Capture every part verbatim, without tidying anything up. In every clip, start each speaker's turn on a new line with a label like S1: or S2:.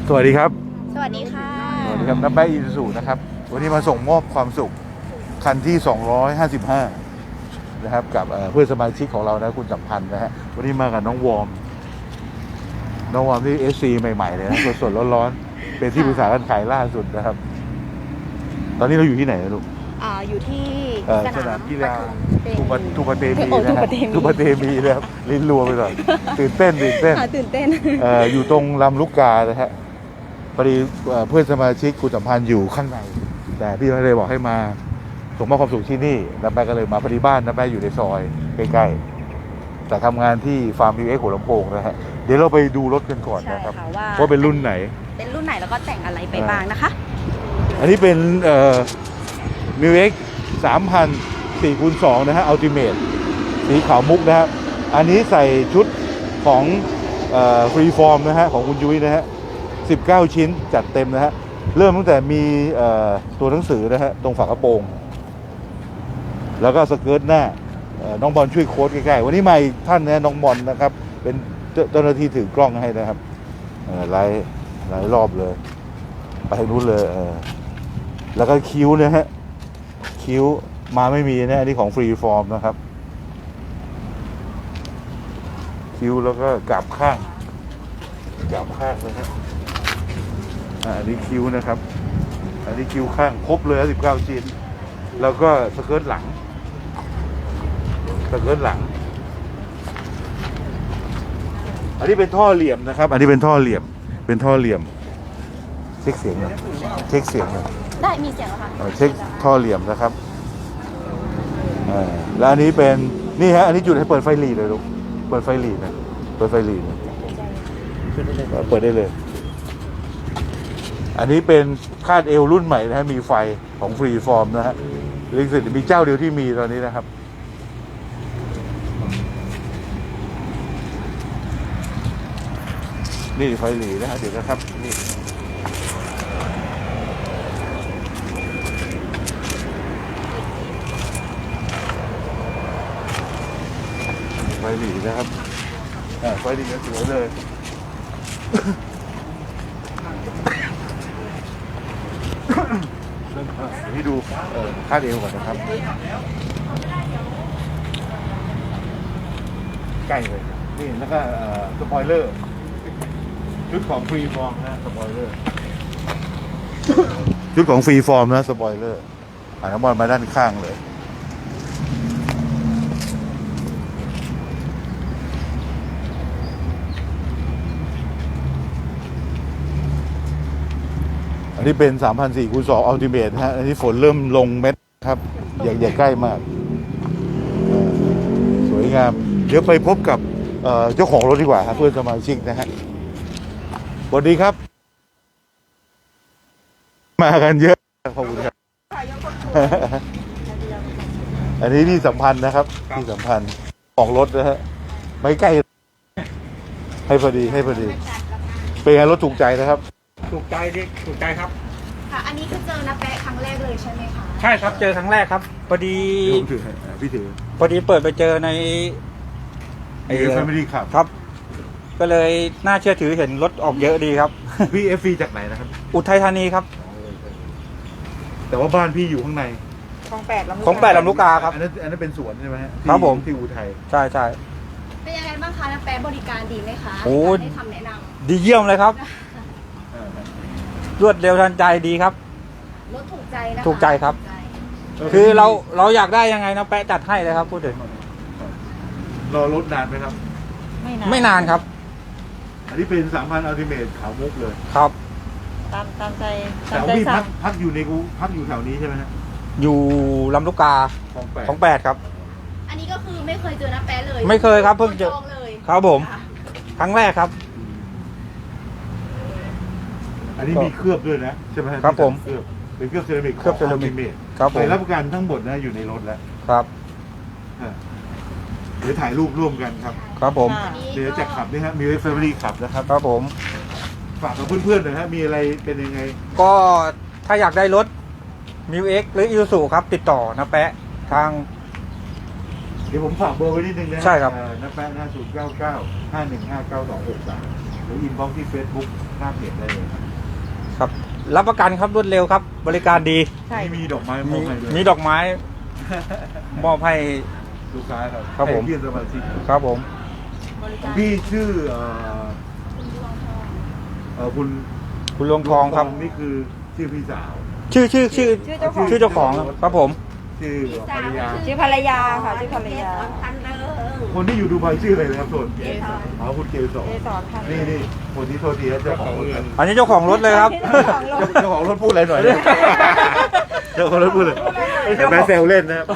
S1: สวัสดีครับ
S2: สวัสดีค่ะ
S1: สวัสดีครับน้ำแป๊ะอิซูซูนะครับวันนี้มาส่งมอบความสุขคันที่สองร้อยห้าสิบห้านะครับกับเพื่อนสมาชิกของเรานะคุณสัมพันธ์นะฮะวันนี้มากับน้องวอร์มน้องวอร์มที่เอสซีใหม่ๆเลยนะสดๆร้อนๆเป็นที่ปรึกษาการขายล่าสุดนะครับตอนนี้เราอยู่ที่ไหนนะลูก
S2: อ่าอยู่ที่
S1: สนามกีฬา
S2: ทุป
S1: ทุปเตมีนะฮะทุปเตมีนะครับลิ้นรัวไปหน่อยตื่นเต้นตื่นเต้น
S2: ตื่นเต้น
S1: อยู่ตรงลำลูกกานะฮะพอดีเพื่อนสมาชิกคุณสัมพันธ์อยู่ข้างในแต่พี่ไม่ได้บอกให้มาส่งมอบความสุขที่นี่น้าแป๊ะก็เลยมาพอดีบ้านน้าแป๊ะอยู่ในซอยใกล้ๆแต่ทำงานที่ฟาร์ม วิว เอ็กซ์ หัวลำโพงนะฮะเดี๋ยวเราไปดูรถกันก่อนนะครับว่าเป็นรุ่นไหน
S2: เป็นรุ่นไหนแล้วก็แต่งอะไรไปบ้างนะคะ
S1: อันนี้เป็นเอ่อ วิว เอ็กซ์ สามพัน สี่คูณสอง นะฮะอัลติเมทสีขาวมุกนะครับอันนี้ใส่ชุดของฟรีฟอร์มนะฮะของคุณยุ้ยนะฮะสิบเก้าชิ้นจัดเต็มนะฮะเริ่มตั้งแต่มีตัวหนังสือนะฮะตรงฝากระโปรงแล้วก็สเกิร์ตหน้าน้องบอลช่วยโค้ดใกล้ๆวันนี้มาอีกท่านนะน้องบอลนะครับเป็นเจ้าหน้าที่ถือกล้องให้นะครับหลายหลายรอบเลยไปทางนู้นเลยแล้วก็คิ้วนะฮะคิ้วมาไม่มีนะอันนี้ของฟรีฟอร์มนะครับคิ้วแล้วก็กลับข้างกลับข้างนะฮะอันนี้คิ้วนะครับอันนี้คิ้วข้างครบเลยสิบเก้าชิ้นแล้วก็สเกิร์ตหลังสเกิร์ตหลังอันนี้เป็นท่อเหลี่ยมนะครับอันนี้เป็นท่อเหลี่ยมเป็นท่อเหลี่ยมเช็คเสียงนะเช็คเสียงนะ
S2: ได้มีเสียงแล้วค่ะ
S1: เช็คท่อเหลี่ยมนะครับแล้วอันนี้เป็นนี่ฮะอันนี้จุดให้เปิดไฟหลีเลยลูกเปิดไฟหลีนะเปิดไฟหลีนะเปิดได้เลยอันนี้เป็นคาดเอวรุ่นใหม่นะฮะมีไฟของฟรีฟอร์มนะฮะลิงสิตมีเจ้าเดียวที่มีตอนนี้นะครับนี่ไฟหลีนะฮะเดี๋ยวนะครับนี่ไฟหลีนะครับไฟหลีสวยเลยให้ดูคาดเอวก่อนนะครับใกล้เลยนี่แล้วก็สปอยเลอร์ชุดของฟรีฟอร์มนะสปอยเลอร์ชุดของฟรีฟอร์มนะสปอยเลอร์อ่าน้ำบอลมาด้านข้างเลยอันนี้เป็น สามพันสี่คูณสอง อัลติเมทฮะอันนี้ฝนเริ่มลงเม็ดครับอย่าอย่าใกล้มากสวยงามเดี๋ยวไปพบกับเจ้าของรถดีกว่าครับเพื่อนสมาชิกนะฮะสวัสดีครับมากันเยอะขอบคุณครับอันนี้ที่สัมพันธ์นะครับที่สัมพันธ์ของรถนะฮะไม่ใกล้ให้พอดีให้พอดีเป็นไงรถถูกใจนะครับ
S3: ถูกใจดิถูกใจครับ
S2: ค่ะอันนี้คือเจอน้าแป๊ะครั้งแรกเลยใช่ไหมคะ
S3: ใช่ครับเจอครั้งแรกครับพอดี
S1: ถือพี่ถือ
S3: พอดีเปิดไปเจอใน
S1: ไอ้แฟมิลี่ขับ
S3: ครับก็เลยน่าเชื่อถือเห็นรถออกเยอะดีครับ
S1: พี่เอฟซีจากไหนนะครับ
S3: อุทัยธานีครับ
S1: แต่ว่าบ้านพี่อยู่ข้างใน
S2: ของแปดลำลูก
S3: ของแปดลำลูกกาครับ
S1: อันนั้นอันนั้นเป็นสวนใช่ไหม
S3: ครับผม
S1: ที่อุทัย
S3: ใช่ใช่
S2: เป็นยังไงบ้างคะน้าแป๊ะบริการดีไหมคะ
S3: โอ้
S2: ให้คำแนะนำ
S3: ดีเยี่ยมเลยครับรวดเร็วทันใจดีครับ
S2: รถถูกใจนะ
S3: ถูกใจครับคือเราเราอยากได้ยังไงนะแปะจัดให้เลยครับพูดถึง
S1: รอรถนานไหมครับ
S3: ไม่นานไม่นานครับ
S1: อันนี้เป็นสามพันอัลติเมทขาวมุกเลย
S3: ครับ
S2: ตามตามใจ
S1: แต่พี่พักพักอยู่ในกูพักอยู่แถวนี้ใช่ไหมฮะ
S3: อยู่ลำลูกกา
S1: ของแปด
S3: ของแปดครับ
S2: อันนี้ก็คือไม่เคยเจอน้าแป๊ะเลย
S3: ไม่เคยครับเพิ่งเจอครับผมครั้งแรกครับ
S1: อันนี้มีเคลือบด้วยนะใช่ไหม
S3: ครับผม
S1: เคลือบเป็นเคลือบเซรามิก
S3: เคลือบเซรามิก
S1: ครับผมรับประกันทั้งหมดนะอยู่ในรถแล้ว
S3: ครับ
S1: เดี๋ยวถ่ายรูปร่วมกันครับ
S3: ครับผม
S1: เดี๋ยวจะขับนี่ฮะมีแฟมิลี่ขับนะครับ
S3: ครับผม
S1: ฝากกับเพื่อนๆหน่อยฮะมีอะไรเป็นยังไง
S3: ก็ถ้าอยากได้รถมิวเอ็กหรืออิซูซูครับติดต่อนะแปะทาง
S1: เดี๋ยวผมฝากเบอร์ไว้นิดนึงนะ
S3: ใช่ครับ
S1: นะแปะหน้าศูนย์เก้าเก้าห้าหนึ่งห้าเก้าสองหกสามหรืออินบ็อกซ์ที่ Facebook หน้าเพจได้เลย
S3: ครับ รับประกันครับรวดเร็วครับ บริการดี
S2: ใช่
S1: มีมีดอกไม้ม
S3: มี
S1: อบให้ด้วย
S3: มีดอกไม้ มอบให้
S1: ลูกค้าครับ
S3: ครับผม
S1: ให้พี่สมาชิก
S3: ครับผม
S2: บริการ
S1: พี่ชื่อเอ่อ
S2: คุณดวงทอง
S1: เอ่อคุณ
S3: คุณลวงทองครับ
S1: นี่คือชื่อพี่สาว
S3: ชื่อชื่อชื่อ
S2: ชื่อเจ้าของ
S3: ชื่อเจ้าของครับผม
S1: ชื่อภรรยา
S2: ชื่อภรรยาค่ะชื่อภรรยา
S1: คนที่อยู่ดูไบชื่ออะไรนะครับส่วน
S2: เกสร
S1: อ๋อคุณเกสร
S2: เกสรค่ะ
S1: นี่นี่คนที่โทษทีนะเจ้าของรถครับ
S3: อันนี้เจ้าของรถเลยครับ
S1: เจ้าของรถพูดอะไรหน่อยนะเจ้าของรถพูดเลยแม่เซลเล่นนะครับ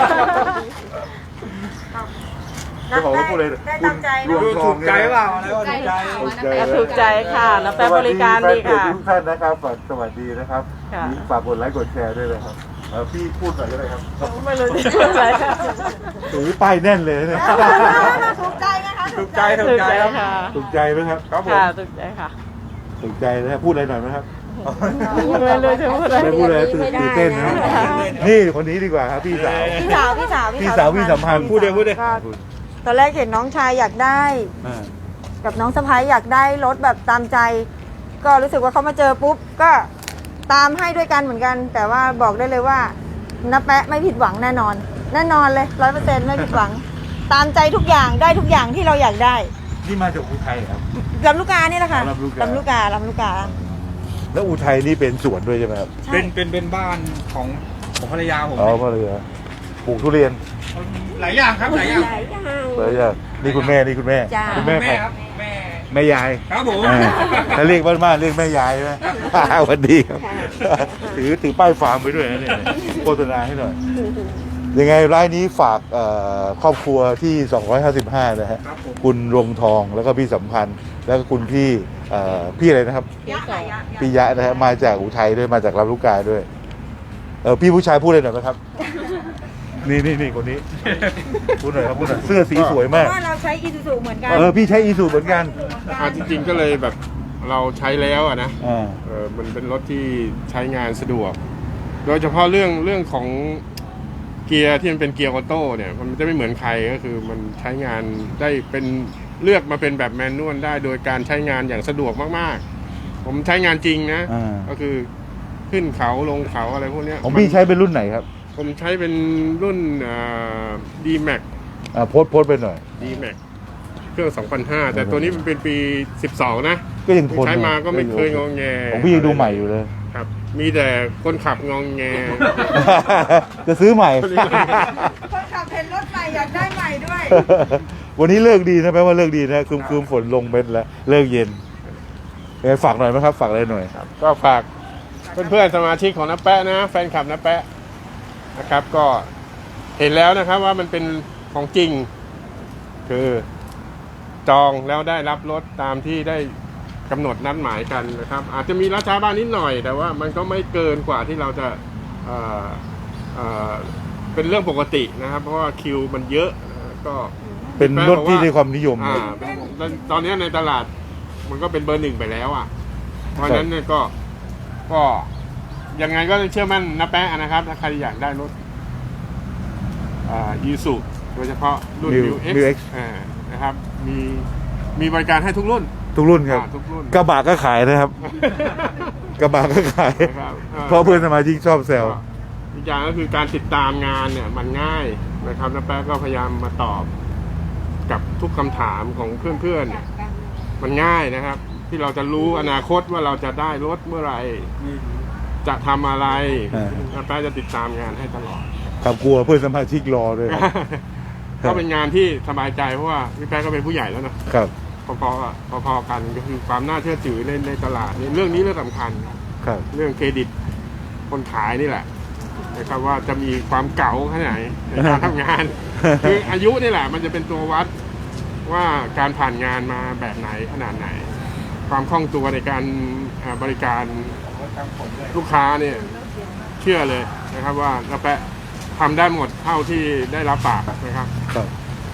S1: เจ้าของรถพูดเลย
S2: ได้ตามใจ
S1: คุณรวมทองเนี่ย
S3: ถูกใจ
S1: ถูกใจ
S2: ถูกใจค่ะน้ำแป๊บบริการดีค่ะ
S1: สวัสแฟนเพจทุกท่านนะครับฝากสวัสดีนะครับ
S2: ค่ะ
S1: ฝากกดไลค์กดแชร์ด้วยนะครับเอ่อพี่พูดหน่อยก็ได้ครับ
S2: ไม่รู้จะพูดอะไรค่ะ
S1: ถือป้ายแน่นเลยเนี่ย
S2: ถูกใจนะคะ
S3: ถูกใจถูกใจครับ
S2: ค่ะ
S1: ถูกใจไหมครับ
S3: ครับผม
S2: ค่ะถูกใจค่ะ
S1: ถูกใจนะครับพูดอะไรหน่อยไหมครับ
S2: ไม่รู้จะพูดอะไร
S1: ไม่พูดเลยตื่นตื่นเต้นนะนี่คนนี้ดีกว่าครับพี่สาว
S4: พี่สาวพี่สาว
S1: พี่สาวพี่สัมพันธ์
S3: พูดเดี๋ยวพูดเดี๋ยว
S4: ก็ตอนแรกเห็นน้องชายอยากได้
S1: อ่า
S4: กับน้องสะพ้ายอยากได้รถแบบตามใจ ก็รู้สึกว่าเขามาเจอปุ๊บก็ตามให้ด้วยกันเหมือนกัน แต่ว่าบอกได้เลยว่าน้าแปะไม่ผิดหวังแน่นอน แน่นอนเลยร้อยเปอร์เซ็นต์ไม่ผิดหวัง ตามใจทุกอย่างได้ทุกอย่างที่เราอยากได้
S1: นี่มาจากอุทัยครับ
S4: ลำลูกกานี่แหละค่ะ
S1: ลำลูกกา
S4: ลำลูกกาลำลูกกา
S1: แล้วอุทัยนี่เป็นสวนด้วยใช่ไหมครับ
S4: ใช่
S3: เป็นเป็นเป็นบ้านของของภรรยาผม
S1: อ๋อมาเลยฮะปลูกทุเรียน
S3: หลายอย่างครับหลายอย่าง
S1: เลยอ่ะนี่คุณแม่นี่คุณแม่
S4: จ้า
S1: คุณแม่
S3: แม่
S1: ใคร
S3: ครับแม่
S1: แม่ยาย
S3: ครับผม
S1: อ่าถ้าเรียกบ้านๆเรียกแม่ยายใช่ไหม สวัสดีครับ ถือถือป้ายฟาร์มไปด้วยนะเนี่ยโฆษณาให้หน่อย ยังไงร้านนี้ฝากเอ่อครอบครัวที่ สองร้อยห้าสิบห้า นะฮะ
S3: ครับผม
S1: คุณรวงทองแล้วก็พี่สัมพันธ์ แล้วก็คุณพี่เอ่อพี่อะไรนะครับ
S4: ยะค่ะยะ
S1: พี่ยะนะฮะมาจากอุทัยด้วยมาจากลำลูกกาด้วย เออพี่ผู้ชายพูดเลยหน่อยไหมครับ นี่นี่นี่คนนี้ พูดหน่อยครับพูดหน่อยเสื้อสีสวย
S4: เพ
S1: มาก
S4: ราะว่าเราใช้อีซูซูเหมือนกัน
S1: เออพี่ใช้อีซูเหมือนกัน
S5: อ่าจริงๆก็เลยแบบเราใช้แล้วอะนะ
S1: อ่า
S5: เออมันเป็นรถที่ใช้งานสะดวก โดยเฉพาะเรื่องเรื่องของเกียร์ที่มันเป็นเกียร์ออโต้เนี่ยมันจะไม่เหมือนใครก็คือมันใช้งานได้เป็นเลือกมาเป็นแบบแมนนวลได้โดยการใช้งานอย่างสะดวกมากๆ ผมใช้งานจริงนะ
S1: อ่า
S5: ก็คือขึ้นเขาลงเขาอะไรพวกเนี้ย
S1: ของพี่ใช้เป็นรุ่นไหนครับ
S5: ผมใช้เป็นรุ่นดีแม็ก
S1: อ่าโพสต์โพสต์ไปหน่อย
S5: ดีแม็กเครื่อง สองพันห้า แต่ตัวนี้มันเป็นปี สิบสอง นะ
S1: ก็ยังทน
S5: ใช้มาก็ไม่เคยงองแง
S1: ของพี่ยังดูใหม่อยู่เลย
S5: ครับ มีแต่คนขับงองแง
S1: จะซื้อใหม่
S4: คนขับเห็นรถใหม่อยากได้ใหม่ด้วย
S1: วันนี้เลิกดีนะแปลว่าเลิกดีนะคืมคืมฝนลงเป็นแล้วเลิกเย็นยังไงฝากหน่อยไหมครับ ฝากอะไรหน่อย
S5: ก็ฝากเพื่อนๆสมาชิกของน้าแปะนะ แฟนคลับน้าแปะนะครับ ก็เห็นแล้วนะครับว่ามันเป็นของจริง คือจองแล้วได้รับรถตามที่ได้กำหนดนัดหมายกันนะครับ อาจจะมีราช้าบ้างนิดหน่อย แต่ว่ามันก็ไม่เกินกว่าที่เราจะเอ่อเอ่อเป็นเรื่องปกตินะครับ เพราะว่าคิวมันเยอะนะก็
S1: เป็นรถที่ได้ความนิยม
S5: อ่าตอนนี้ในตลาดมันก็เป็นเบอร์หนึ่งไปแล้วอ่ะ เพราะฉะนั้นเนี่ยก็ก็ยังไงก็เชื่อมั่นนะแป๊ะนะครับ ถ้าใครอยากได้รถอ่ายูสุโดยเฉพาะรุ่น
S1: New
S5: New X
S1: New X
S5: อ่านะครับ มีมีบริการให้ทุกรุ่น
S1: ทุกรุ่นครับ
S5: อ่าทุกรุ่น
S1: กระบะก็ขายนะครับ กระบะก็ขาย
S5: นะครับ
S1: เพราะเพื่อนสมาชิกชอบแซว
S5: อีกอย่างก็คือการติดตามงานเนี่ยมันง่ายนะครับนะแป๊ะก็พยายามมาตอบกับทุกคำถามของเพื่อนๆเนี่ยมันง่ายนะครับ ที่เราจะรู้อนาคตว่าเราจะได้รถเมื่อไหร่จะทำอะไร
S1: อ่า
S5: นะแป๊ะจะติดตามงานให้ตลอด
S1: ขับกลัวเพื่อนสมาชิกรอด้วย
S5: ก็เป็นงานที่สบายใจเพราะว่าพี่แป๊ะก็เป็นผู้ใหญ่แล้วนะครับ พอๆอะพอๆกันก็คือความน่าเชื่อถือในในตลาดนี่เรื่องนี้เรื่องสำคัญ
S1: ครับ
S5: เรื่องเครดิตคนขายนี่แหละนะครับว่าจะมีความเก่าแค่ไหนในการทำงาน คืออายุนี่แหละ มันจะเป็นตัววัดว่าการผ่านงานมาแบบไหนขนาดไหน ความคล่องตัวในการอ่าบริการลูกค้าเนี่ยเชื่อเลยนะครับว่าน้าแปะทำได้หมดเท่าที่ได้รับปากนะครับ
S1: ครับ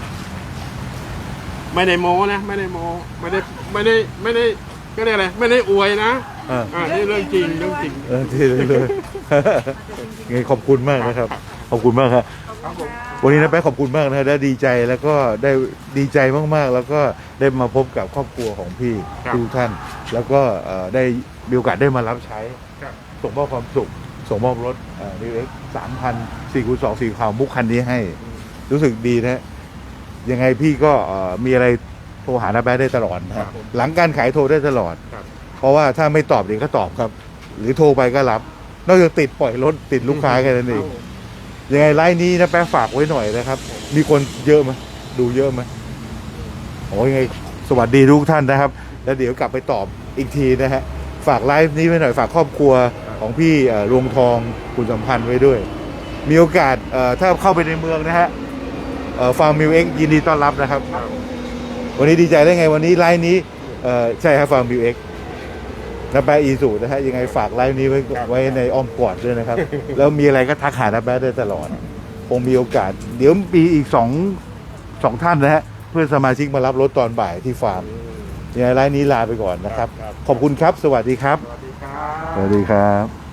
S5: ไม่ได้โม้นะไม่ได้โม้ไม่ได้ไม่ได้ไม่ได้ก็ได้อะไรไม่ได้อวยนะ
S1: อ่า
S5: อ่านี่เรื่องจริงเรื่องจริง
S1: เออที่เลยเลย ไงขอบคุณมากนะครับ ขอบคุณมากครับ
S3: ครับผม
S1: วันนี้นะแป๊ะขอบคุณมากนะได้ดีใจแล้วก็ได้ดีใจมากๆ แล้วก็ได้มาพบกับครอบครัวของพี่
S5: ครับ
S1: ทุกท่าน แล้วก็เอ่อได้มีโอกาสได้มารับใช้
S5: ครับ
S1: ส่งมอบความสุข ส่งมอบรถนิวเอ็กสามพันสี่คูณสองสีขาวมุกคันนี้ให้ รู้สึกดีนะ ยังไงพี่ก็เอ่อมีอะไรโทรหาน้าแป๊ะได้ตลอดนะ
S5: ครั
S1: ฮะ
S5: บผม
S1: หลังการขายโทรได้ตลอด
S5: ครับ
S1: เพราะว่าถ้าไม่ตอบเดี๋ยวก็ตอบครับ หรือโทรไปก็รับ นอกจากติดปล่อยรถติดลูกค้าแค่นั้นเอง ยังไงไลน์นี้นะแป๊ะฝากไว้หน่อยนะครับ มีคนเยอะไหมดูเยอะไหมโอ้ยยังไงสวัสดีทุกท่านนะครับ แล้วเดี๋ยวกลับไปตอบอีกทีนะฮะ ฝากไลฟ์นี้ไว้หน่อย ฝากครอบครัวของพี่เอ่อรวงทองคุณสัมพันธ์ไว้ด้วย มีโอกาสเอ่อถ้าเข้าไปในเมืองนะฮะฟาร์มมิวเอ็กยินดีต้อนรับนะครับ วันนี้ดีใจได้ไงวันนี้ไลฟ์นี้เอ่อใช่ครับฟาร์มมิวเอ็กน้าแป๊ะอีสุนะฮะยังไงฝากไลฟ์นี้ไว้ไว้ในอ้อมกอดด้วยนะครับ แล้วมีอะไรก็ทักหาน้าแป๊ะได้ตลอดคงมีโอกาส เดี๋ยวมีอีกสองสองท่านนะฮะเพื่อนสมาชิกมารับรถตอนบ่ายที่ฟาร์มยังไงไลฟ์นี้ลาไปก่อนนะครับ
S5: ครับ
S1: ขอบคุณครับ สวัสดีครับ
S5: สวัสดีครับ
S1: สวัสดีครับ